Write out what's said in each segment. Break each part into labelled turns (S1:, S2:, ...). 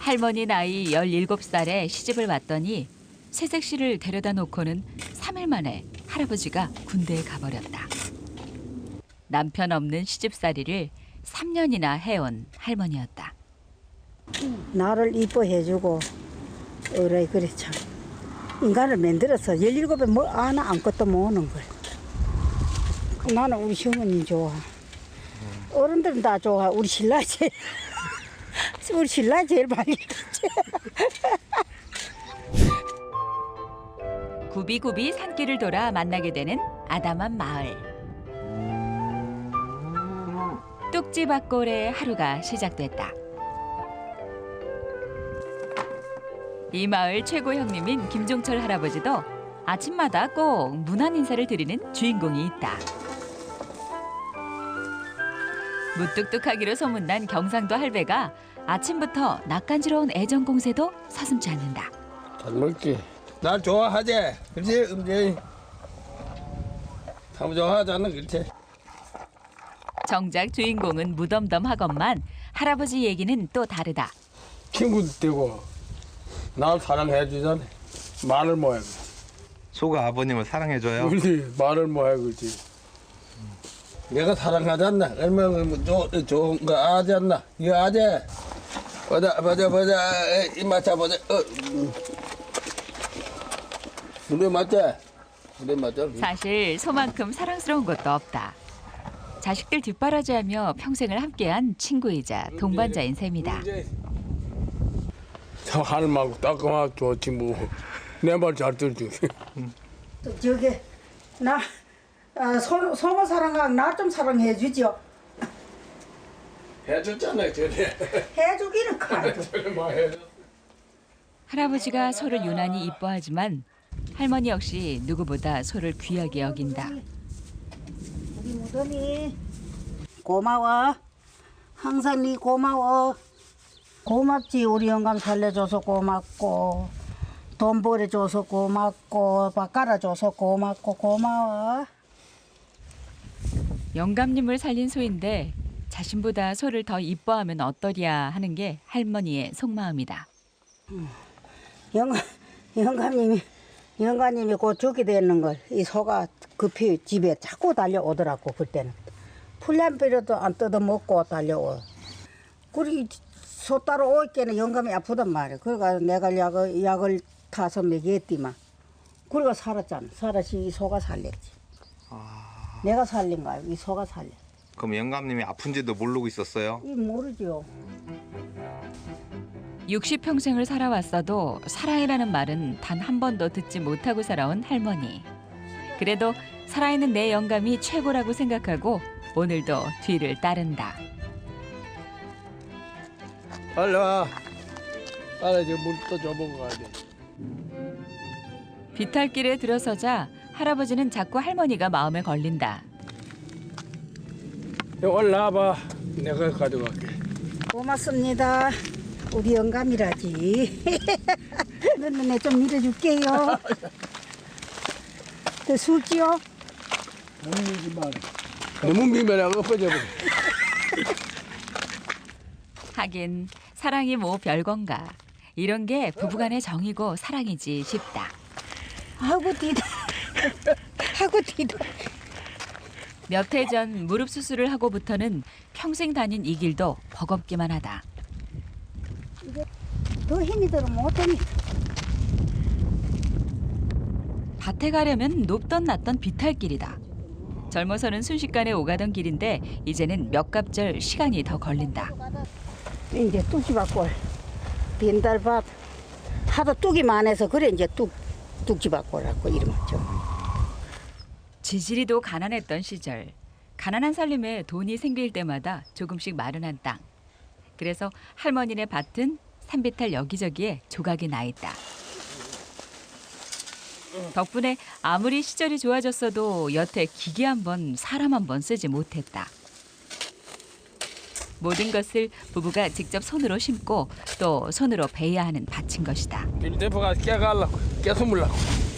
S1: 할머니 나이 17살에 시집을 왔더니 새색 씨를 데려다 놓고는 3일 만에 할아버지가 군대에 가버렸다. 남편 없는 시집살이를 3년이나 해온 할머니였다.
S2: 나를 이뻐해주고 그래 참 인간을 만들어서 17에 뭐 하나 아무것도 모으는 걸. 나는 우리 시어머니 좋아. 어른들은 다 좋아. 우리 신라 제일 우리 신라 제일 많이
S1: 굽이굽이 산길을 돌아 만나게 되는 아담한 마을. 뚝지밭골의 하루가 시작됐다. 이 마을 최고 형님인 김종철 할아버지도 아침마다 꼭 문안 인사를 드리는 주인공이 있다. 무뚝뚝하기로 소문난 경상도 할배가 아침부터 낯간지러운 애정 공세도 서슴지 않는다.
S3: 잘 먹지. 날 좋아하지? 그렇지, 음지. 참 좋아하잖아, 그렇지.
S1: 정작 주인공은 무덤덤하건만 할아버지 얘기는 또 다르다.
S3: 친구도 되고 날 사랑해 주잖아. 말을 뭐해.
S4: 소가 아버님을 사랑해줘요?
S3: 그렇지, 말을 뭐해, 그렇지. 내가 사랑하지 않나? 얼마나 좋은 거 아지 않나? 이거 아지? 보자. 이마차 보자. 그래 맞지? 그래 맞죠?
S1: 사실 소만큼 사랑스러운 것도 없다. 자식들 뒷바라지하며 평생을 함께한 친구이자 동반자인 셈이다.
S3: 저 할머니하고 따끔하고 좋지 뭐. 내 말 잘 들지.
S2: 저기 나 소모 사랑하고 나 좀 사랑해 주죠.
S3: 해줬잖아요, 전에.
S2: 해주기는 가도.
S3: 전에 뭐 해줬어.
S1: 할아버지가 소를 유난히 이뻐하지만 할머니 역시 누구보다 소를 귀하게 여긴다.
S2: 우리 무덤이 고마워. 항상 네 고마워. 고맙지. 우리 영감 살려줘서 고맙고 돈 벌어줘서 고맙고 밥 갈아줘서 고맙고 고마워.
S1: 영감님을 살린 소인데 자신보다 소를 더 이뻐하면 어떠랴 하는 게 할머니의 속마음이다.
S2: 영감님이 곧 죽게 되는 걸 이 소가 급히 집에 자꾸 달려오더라고. 그때는 풀량비료도 안 뜯어먹고 달려오. 그리 소 따로 올 때는 영감이 아프단 말이야. 그래가 내가 약을 타서 먹였디만. 그래가 살았잖아. 살았지. 이 소가 살렸지. 내가 살린 거야. 이 소가 살려.
S4: 그럼 영감님이 아픈지도 모르고 있었어요?
S2: 이 모르죠.
S1: 60평생을 살아왔어도 사랑이라는 말은 단 한 번도 듣지 못하고 살아온 할머니. 그래도 살아있는 내 영감이 최고라고 생각하고 오늘도 뒤를 따른다.
S3: 빨리 와. 빨리 이제 물 또 줘보고 가야 돼.
S1: 비탈길에 들어서자 할아버지는 자꾸 할머니가 마음에 걸린다.
S3: 올라와봐. 내가 가져갈게.
S2: 고맙습니다. 우리 영감이라지. 너는 좀 밀어줄게요. 더 술지요?
S3: 너무 밀지 마라. 너무 밀면 엎어져 버려.
S1: 하긴 사랑이 뭐 별건가. 이런 게 부부간의 정이고 사랑이지 싶다.
S2: 하고 뒤다. 하고 뒤다.
S1: 몇 해 전 무릎 수술을 하고부터는 평생 다닌 이 길도 버겁기만 하다.
S2: 더 힘이 들어 못하니.
S1: 밭에 가려면 높던 낮던 비탈길이다. 젊어서는 순식간에 오가던 길인데 이제는 몇 갑절 시간이 더 걸린다.
S2: 이제 뚝지밭골, 빈달밭 하도 뚝이 많아서 그래 이제 뚝지밭골이라고 이름이죠.
S1: 지지리도 가난했던 시절. 가난한 살림에 돈이 생길 때마다 조금씩 마련한 땅. 그래서 할머니네 밭은 산비탈 여기저기에 조각이 나 있다. 덕분에 아무리 시절이 좋아졌어도 여태 기계 한 번, 사람 한 번 쓰지 못했다. 모든 것을 부부가 직접 손으로 심고 또 손으로 베야 하는 밭인 것이다.
S3: 대포가 깨가려고, 깨숨으려고.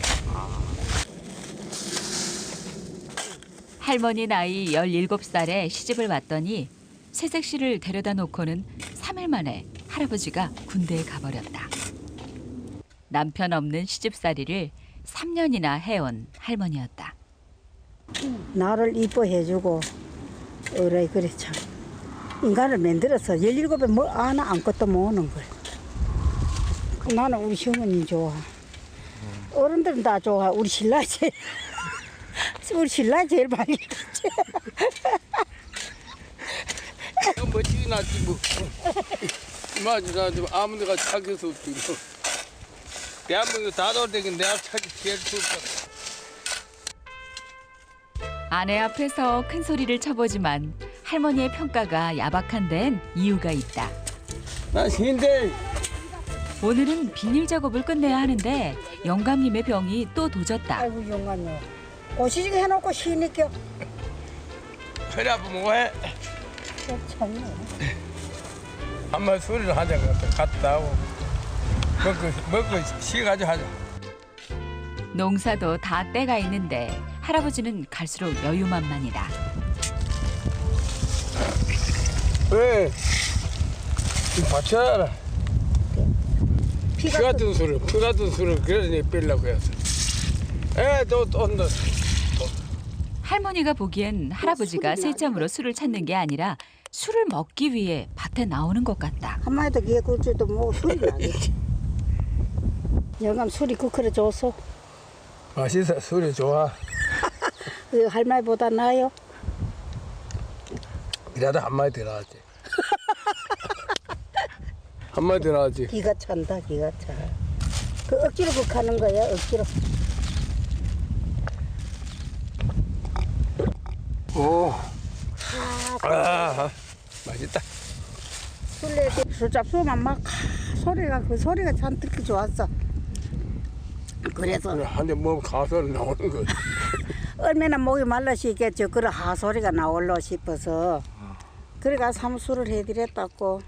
S1: 할머니 나이 17살에 시집을 왔더니 새색 씨를 데려다 놓고는 3일 만에 할아버지가 군대에 가버렸다. 남편 없는 시집살이를 3년이나 해온 할머니였다.
S2: 나를 이뻐해주고 그래 참 인간을 만들어서 17에 뭐 하나 아무것도 모으는 걸. 나는 우리 시어머니 좋아. 어른들은 다 좋아. 우리 신라 제일 우리 신라 제일 많이 좋지.
S3: 멋지게 나지 뭐. 맞아, 나 아무 데가 찾을 수 없지. 뭐. 대한민국 다 돌아다니는 내가 찾기 제일 좋다.
S1: 아내 앞에서 큰 소리를 쳐보지만 할머니의 평가가 야박한 데엔 이유가 있다.
S3: 나 신대.
S1: 오늘은 비닐 작업을 끝내야 하는데 영감님의 병이 또 도졌다.
S2: 아이고 영감요. 고시직 해놓고 쉬니까
S3: 허리 아프면 뭐해?
S2: 참네.
S3: 한번 소리를 하자. 갔다 하고. 먹고 쉬가지고 하자.
S1: 농사도 다 때가 있는데 할아버지는 갈수록 여유만만이다.
S3: 왜? 받쳐라. 피
S2: 피가
S3: 같은 술을, 그러니 빼려고 했어. 또 온다.
S1: 할머니가 보기엔 할아버지가 쓸잠으로 술을 찾는 게 아니라 술을 먹기 위해 밭에 나오는 것 같다.
S2: 한마디도 기에 굴지도 뭐 술이 나겠지. 영감 술이 그래 줬어.
S3: 맛있어, 술이 좋아.
S2: 그 할머니보다 나아요.
S3: 이라도 한마디 더 나왔지. 한마디 더 나왔지.
S2: 기가 찬다 기가 차. 그 억지로 극하는 거야 억지로.
S3: 오. 맛있다.
S2: 술래 술 잡수면 막 소리가 그 소리가 참 듣기 좋았어. 그래서
S3: 한대 먹으면 가소리 나오는 거지.
S2: 얼마나 목이 말라시겠죠. 그런 하소리가 나올러 싶어서 그래가 삼수를 해드렸다고.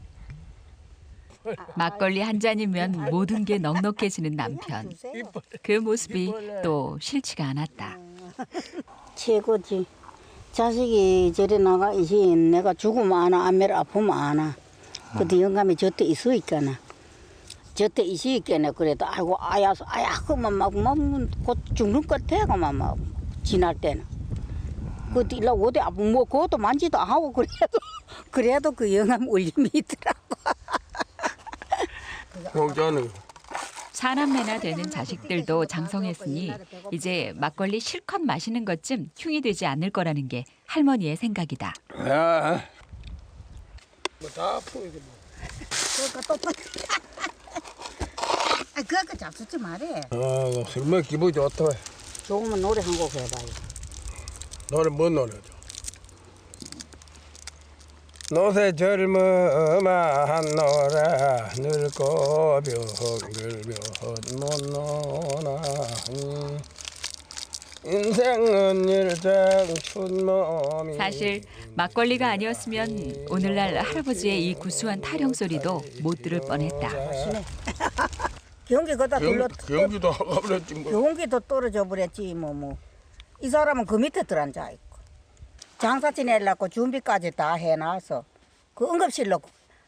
S1: 막걸리 한 잔이면 모든 게 넉넉해지는 남편. 그 모습이 또 싫지가 않았다.
S2: 최고지. 자식이 저리 나가 이시 내가 죽으면 아나 아메를 아프면 아나. 그때 영감이 저때 있으니까나. 저때 있으니까나 그래도 아이고 아야 그만 막곧 죽는 것 같아 막 지날 때는. 그때 일라 어디 아프 뭐 그것도 만지도 안 하고 그래도 그 영감 울림이 있더라고.
S3: 공짜는
S1: 사남매나 되는 자식들도 장성했으니 이제 막걸리 실컷 마시는 것쯤 흉이 되지 않을 거라는 게 할머니의 생각이다.
S3: 야. 뭐다 아프지 뭐.
S2: 그러니까 또 그거 잡수지 말해.
S3: 술 먹기 기분이 좋다.
S2: 조금만 노래 한 곡 해봐요.
S3: 노래 뭔 노래죠? 노새 젊어만 노라 늙고 병들면 못 노나 인생은 일장춘 몸이
S1: 사실 막걸리가 아니었으면 오늘날 할아버지의 이 구수한 타령 소리도 못 들을 뻔했다.
S2: 경기 거다 둘러
S3: 경기도 가버렸지 뭐.
S2: 경기도 떨어져 버렸지 뭐. 이 사람은 그 밑에 들어앉아 있고 장사 지내려고 준비까지 다 해놔서 그 응급실로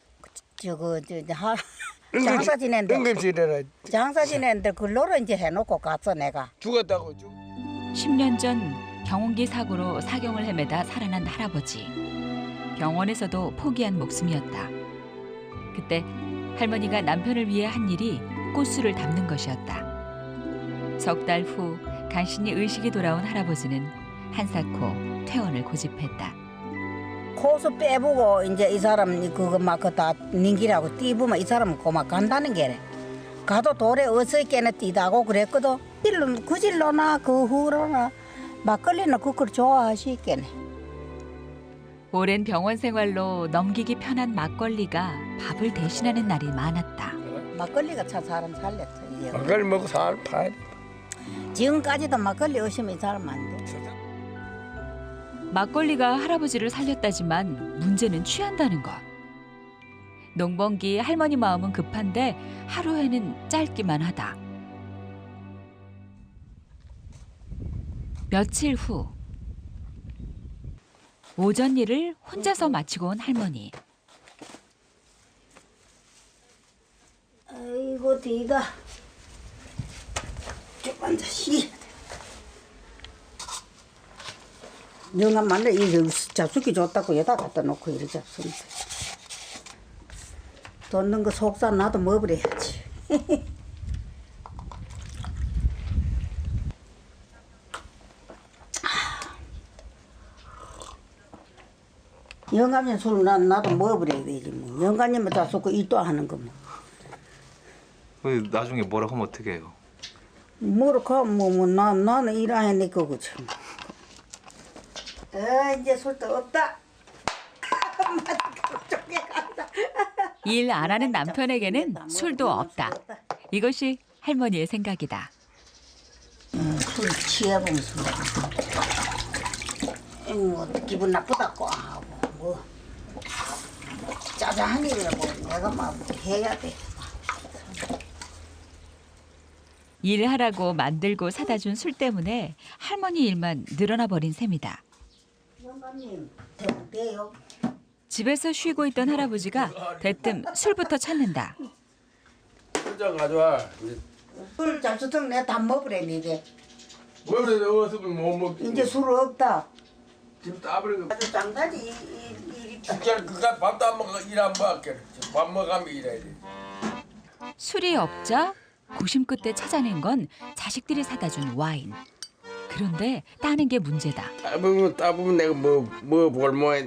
S2: 장사 지낸데
S3: 응급실에라
S2: 장사 지낸데 그로로 이제 해놓고 갔어 내가.
S3: 죽었다고
S1: 10년 전 경운기 사고로 사경을 헤매다 살아난 할아버지. 병원에서도 포기한 목숨이었다. 그때 할머니가 남편을 위해 한 일이 꽃술을 담는 것이었다. 석 달 후 간신히 의식이 돌아온 할아버지는 한사코 퇴원을 고집했다.
S2: 코수 빼보고 이제 이 사람 그거 막 다 nin기라고 띠부면 이 사람은 고막 간다는 게래. 가도 돌에 어서 있게는 뛰다고 그랬거든. 그질로나 그 후로나 막걸리는 그걸 좋아하시겠네.
S1: 오랜 병원 생활로 넘기기 편한 막걸리가 밥을 대신하는 날이 많았다.
S2: 막걸리가 참 사람 살렸어. 이제.
S3: 막걸리 먹고 살 파야 돼.
S2: 지금까지도 막걸리 없으면 이 사람 안 돼.
S1: 막걸리가 할아버지를 살렸다지만 문제는 취한다는 것. 농번기 할머니 마음은 급한데 하루에는 짧기만 하다. 며칠 후 오전 일을 혼자서 마치고 온 할머니.
S2: 일부터 이가 좀 앉아시. 영감 만나 이 잡수기 좋다고 여기다 갖다 놓고 이리 잡수는데. 돈 넣은 거 속살 나도 먹어버려야지. 영감님 술 나도 먹어버려야 되지 뭐. 영감님은 다 쏟고 일도 하는 거 뭐.
S4: 나중에 뭐라 하면 어떻게 해요?
S2: 뭐로 나는 일 안 해내 거고 참. 이제 술도 없다.
S1: 일 안 하는 남편에게는 술도 없다. 이것이 할머니의 생각이다.
S2: 술 취해보면서 뭐 기분 나쁘다고 하고 뭐 짜잔한 일이라 뭐 내가 막 해야 돼.
S1: 일하라고 만들고 사다 준 술 때문에 할머니 일만 늘어나 버린 셈이다.
S2: 영감님 돼요.
S1: 집에서 쉬고 있던 할아버지가 대뜸 술부터 찾는다.
S3: 혼자 가져와.
S2: 술 잡수던 내가 다 먹으래니 이제.
S3: 뭐 그래 어서면 못 먹지.
S2: 이제 술 없다.
S3: 지금 따버리고.
S2: 아주 장단이 일 있다.
S3: 진짜 그까 밥도 안 먹어 일 안 먹게. 밥 먹으면 일해야 돼.
S1: 술이 없자 고심 끝에 찾아낸 건 자식들이 사다 준 와인. 그런데 따는 게 문제다.
S3: 따보면 내가 뭐 볼모해.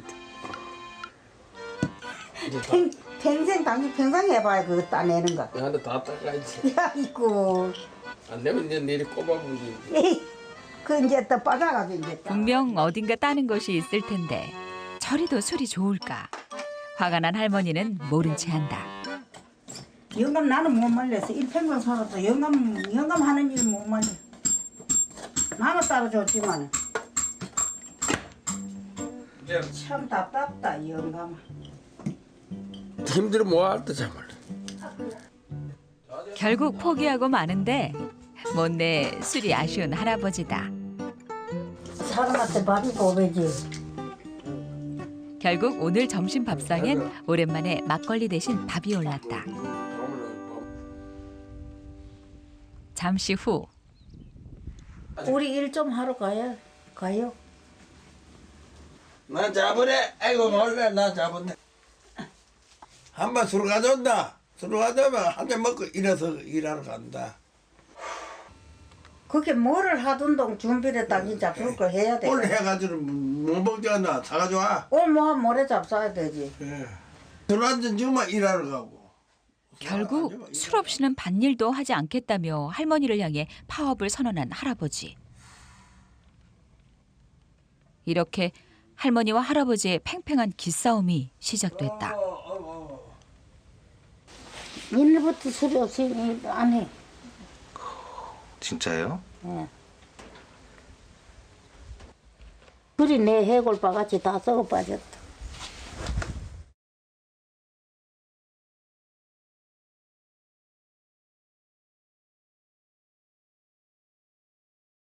S2: 평생 당신 평생 해봐야 그거 따내는 거.
S3: 나한테 다 따가야지.
S2: 야 이거.
S3: 안 되면 이제 내일 꼽아보면 되지.
S2: 에이, 그 이제 또 빠져가지고 이제.
S1: 분명 어딘가 따는 것이 있을 텐데 저리도 술이 좋을까. 화가 난 할머니는 모른 체 한다.
S2: 영감 나는 못 말려서 일평생 살아도 영감 하는 일 못 말려. 나는 따라줬지만 참 답답다 영감.
S3: 힘들어 뭐할때 참을.
S1: 결국 포기하고 마는데 못내 술이 아쉬운 할아버지다.
S2: 사람한테 밥이 고배지.
S1: 결국 오늘 점심 밥상엔 오랜만에 막걸리 대신 밥이 올랐다. 잠시 후
S2: 우리 일 좀 하러 가요.
S3: 나 잡으래. 아이고 놀래 나 잡은데. 한번 술 가져온다. 술 가져오면 한 잔 먹고 일어서 일하러 간다.
S2: 그게 뭐를 하던 동 준비를 당신 잡술 걸 해야 돼.
S3: 오늘 해가지고 못 먹잖아. 사가져와.
S2: 오늘 뭐 모레 잡숴야 되지.
S3: 술 한 잔 주면 일하러 가고.
S1: 결국 술 없이는 밭일도 하지 않겠다며 할머니를 향해 파업을 선언한 할아버지. 이렇게 할머니와 할아버지의 팽팽한 기싸움이 시작됐다.
S2: 일부터 술이 없으니 안 해.
S4: 진짜요?
S2: 예. 그리 내 해골 바같이 다 썩어 빠졌다.